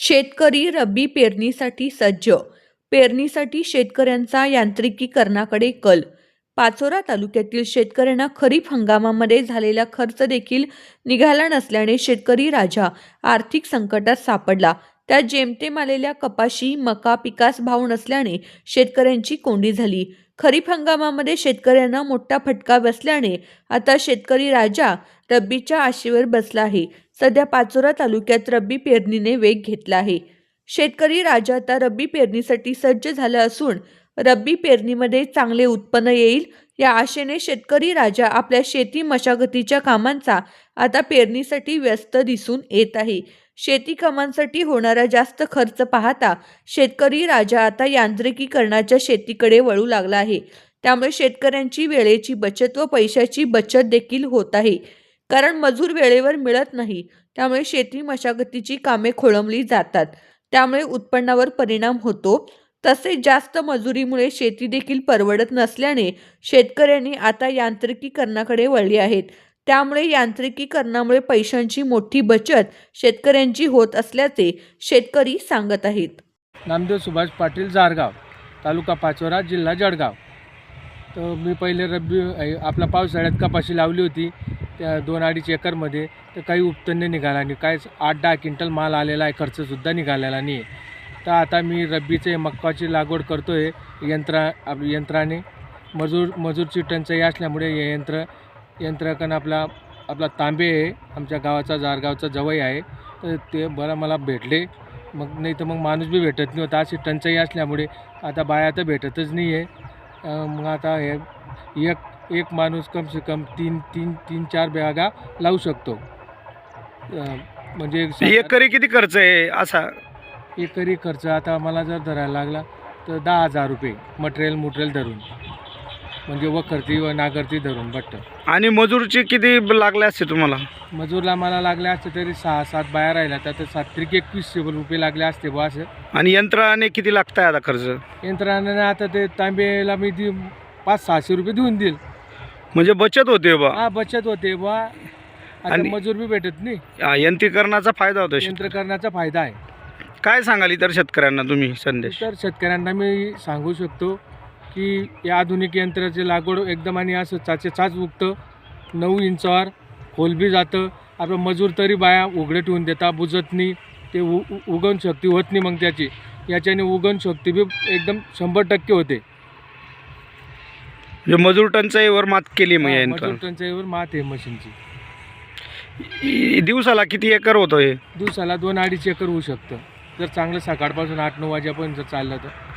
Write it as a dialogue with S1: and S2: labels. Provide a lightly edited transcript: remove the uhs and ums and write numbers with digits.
S1: शेतकरी रब्बी पेरणीसाठी सज्ज. पेरणीसाठी शेतकऱ्यांचा यांत्रिकीकरणाकडे कल. पाचोरा तालुक्यातील शेतकऱ्यांना खरीप हंगामामध्ये झालेला खर्च देखील निघाला नसल्याने शेतकरी राजा आर्थिक संकटात सापडला. त्यात जेमतेम आलेल्या कपाशी, मका पिकास भाव नसल्याने शेतकऱ्यांची कोंडी झाली. खरीप हंगामामध्ये शेतकऱ्यांना मोठा फटका बसल्याने आता शेतकरी राजा रब्बीच्या आशेवर बसला आहे. सध्या पाचोरा तालुक्यात रब्बी पेरणीने वेग घेतला आहे. शेतकरी राजा आता रब्बी पेरणीसाठी सज्ज झाला असून रब्बी पेरणीमध्ये चांगले उत्पन्न येईल या आशेने शेतकरी राजा आपल्या शेती मशागतीच्या कामांचा आता पेरणीसाठी व्यस्त दिसून येत आहे. शेती कामांसाठी होणारा जास्त खर्च पाहता शेतकरी राजा आता यांत्रिकीकरणाच्या शेतीकडे वळू लागला आहे. त्यामुळे शेतकऱ्यांची वेळेची बचत व पैशाची बचत देखील होत आहे. कारण मजूर वेळेवर मिळत नाही, त्यामुळे शेती मशागतीची कामे खोळंबली जातात. त्यामुळे उत्पन्नावर परिणाम होतो. तसेच जास्त मजुरीमुळे शेती देखील परवडत नसल्याने शेतकऱ्यांनी आता यांत्रिकीकरणाकडे वळली आहेत. त्यामुळे यांत्रिकीकरणामुळे पैशांची मोठी बचत शेतकऱ्यांची होत असल्याचे शेतकरी सांगत आहेत.
S2: नामदेव सुभाष पाटील, जारगाव, तालुका पाचोरा, जिल्हा जळगाव. तर मी पहिले रब्बी आपला पावसाळ्यात कपाशी लावली होती त्या 2-2.5 एकरमध्ये. तर काही उत्पन्न निघाला नाही, काय 8-10 क्विंटल माल आलेला आहे, खर्चसुद्धा निघालेला नाही. तर आता मी रब्बीचे मक्काची लागवड करतो आहे यंत्राने. मजूरची टंचाई असल्यामुळे हे यंत्रकण आपला तांबे आहे, आमच्या गावाचा जारगावचा जवळ आहे. तर ते बरं मला भेटले, मग नाही तर मग माणूस बी भेटत नाही होता. अशी टंचाई असल्यामुळे आता बाया तर भेटतच नाही आहे. मग आता हे एक माणूस कम से कम 3-4 बॅगा लावू शकतो. म्हणजे
S3: एकरी किती खर्च आहे असा?
S2: एकरी खर्च आता मला जर धरायला लागला तर 10,000 रुपये मटेरियल धरून, म्हणजे वखरती व नागरती धरून बट्ट.
S3: आणि मजूरची किती लागले असते तुम्हाला?
S2: मजूरला मला लागले असते तरी 6-7 बाया राहिल्या तर 7-21 रुपये लागले असते बुवा असं.
S3: आणि यंत्राने किती लागत आहे आता खर्च?
S2: यंत्राने आता ते तांबेला मी 500-600 रुपये देऊन देईल.
S3: म्हणजे बचत होते बा?
S2: हा, बचत होते बा. आता मजूर बी भेटत नाही.
S3: यंत्रीकरणाचा फायदा होतो.
S2: यंत्रकरणाचा फायदा आहे.
S3: काय सांगाल इतर शेतकऱ्यांना तुम्ही संदेश?
S2: तर शेतकऱ्यांना मी सांगू शकतो की या आधुनिक यंत्राची लागवड एकदम आणि असं चाच उगतं. 9 इंचावर खोल बी जातं. आपलं मजूर तरी बाया उघडे ठेवून देता, बुजत नाही. ते उगवण शक्ती होत नाही. मग याच्याने उगवण शक्ती बी एकदम 100% होते.
S3: मजूर टंचाईवर मात केली मग या
S2: मजूर टंचाईवर मात आहे मशीनची.
S3: दिवसाला किती एकर होतं हे?
S2: दिवसाला 2-2.5 एकर होऊ शकतं जर चांगलं सकाळपासून 8-9 वाजेपर्यंत चाललं तर.